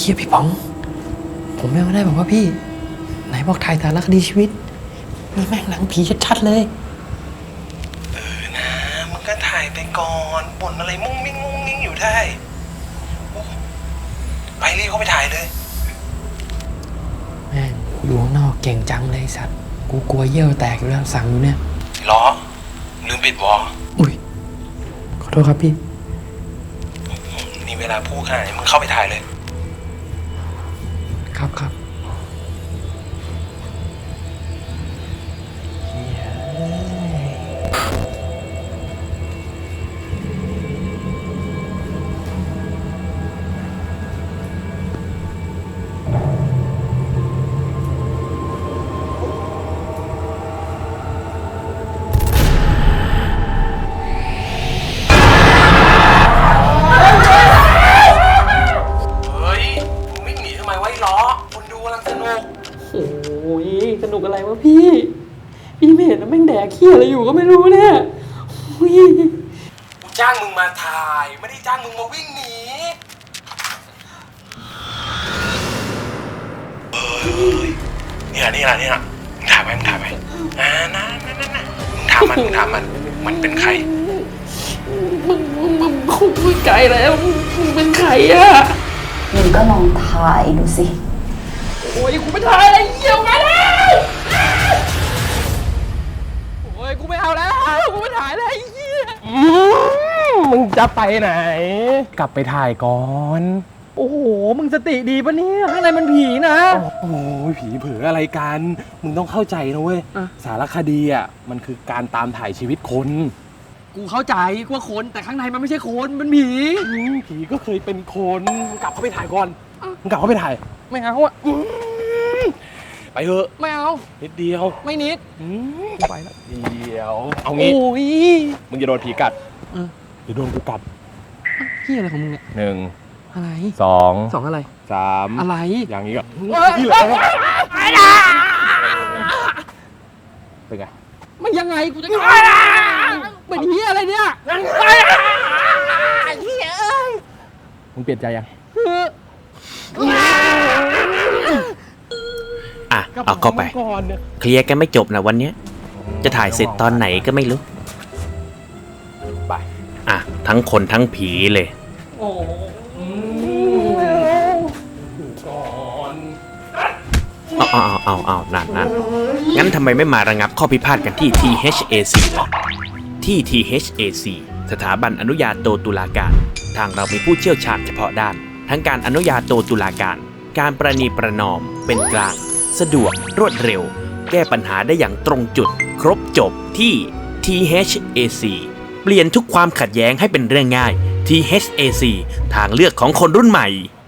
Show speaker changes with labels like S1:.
S1: ฮียพี่ป๋องผมยังไม่ได้บอกว่าพี่ไหนบอกถ่ายสารคดีชีวิตนี่แม่งหนังผีชัดๆเลย
S2: นะมึงก็ถ่ายไปก่อนบ่นอะไรมุ้งมิ้งอยู่ได้ไปรีบเข้าไปถ่ายเลย
S1: แม่งอยู่ข้างนอกเก่งจังเลยสัตว์กูกลัวเยี่ยวแตกอยู่แล้วสั่งอยู่เนี่ย
S2: ล้อลืมปิดวอล
S1: อุ้ยขอโทษครับพี่
S2: นี่เวลาพูดขนาดนี้มึงเข้าไปถ่ายเลย
S1: ครับโอ้ยสนุกอะไรวะพี่ไม่เห็นนะแม่งแดกเขี้ยอะไรอยู่ก็ไม่รู้เนี่ยกู
S2: จ้างมึงมาถ่ายไม่ได้จ้างมึงมาวิ่งหนีเนี่ยมึงถามไปนะมึงถามมันเป็นใคร
S1: มึงคงไม่ไกลแล้วมึงเป็นใครอะ
S3: มึงก็ลองถ่ายดูสิ
S1: โอ้ยกูไม่ถ่ายอะไรเหี้ยมาแล้วโอ้ยกูไม่เอาแล้วกูไม่ถ่ายแล้วไอ้เหี้ย
S2: มึงจะไปไหนกลับไปถ่ายก่อน
S1: โอ้โหมึงสติดีปะเนี่ยข้างในมันผีนะ
S2: โอ้ยผีเผืออะไรกันมึงต้องเข้าใจนะเว้ยสารคดีอ่ะมันคือการตามถ่ายชีวิตคน
S1: กูเข้าใจว่าคนแต่ข้างในมันไม่ใช่คนมันผี
S2: ผีก็เคยเป็นคนมึงกลับเข้าไปถ่ายก่อนมึงกลับเข้าไปถ่าย
S1: ไม่เอาอ่ะ
S2: ไปเถอะ
S1: ไม่เอา
S2: นิดเดียว
S1: ไม่นิด
S2: ไปแล้วเดียวเอางี้มึงจะโดนผีกัดจะโดนกูกัด
S1: พี่อะไรของมึงเนี่ย
S2: 1
S1: อะไร
S2: 2
S1: อะไร
S2: 3
S1: อะไร
S2: อย่างนี้ก็พี่เลยเป็นไง
S1: ไม่ยังไงกูจะเป็นเฮียอะไรเนี่ยเฮียเอ้ย
S2: มึงเปลี่ยนใจยัง
S4: เอาเข้าไปเคลียร์กันไม่จบนะวันนี้จะถ่ายเสร็จตอนไหนก็ไม่รู้
S2: ไป
S4: ทั้งคนทั้งผีเลยเอานั่นงั้นทำไมไม่มาระงับข้อพิพาทกันที่ THAC ล่ะที่ THAC สถาบันอนุญาโตตุลาการทางเรามีผู้เชี่ยวชาญเฉพาะด้านทั้งการอนุญาโตตุลาการการประนีประนอมเป็นกลางสะดวกรวดเร็วแก้ปัญหาได้อย่างตรงจุดครบจบที่ THAC เปลี่ยนทุกความขัดแย้งให้เป็นเรื่องง่าย THAC ทางเลือกของคนรุ่นใหม่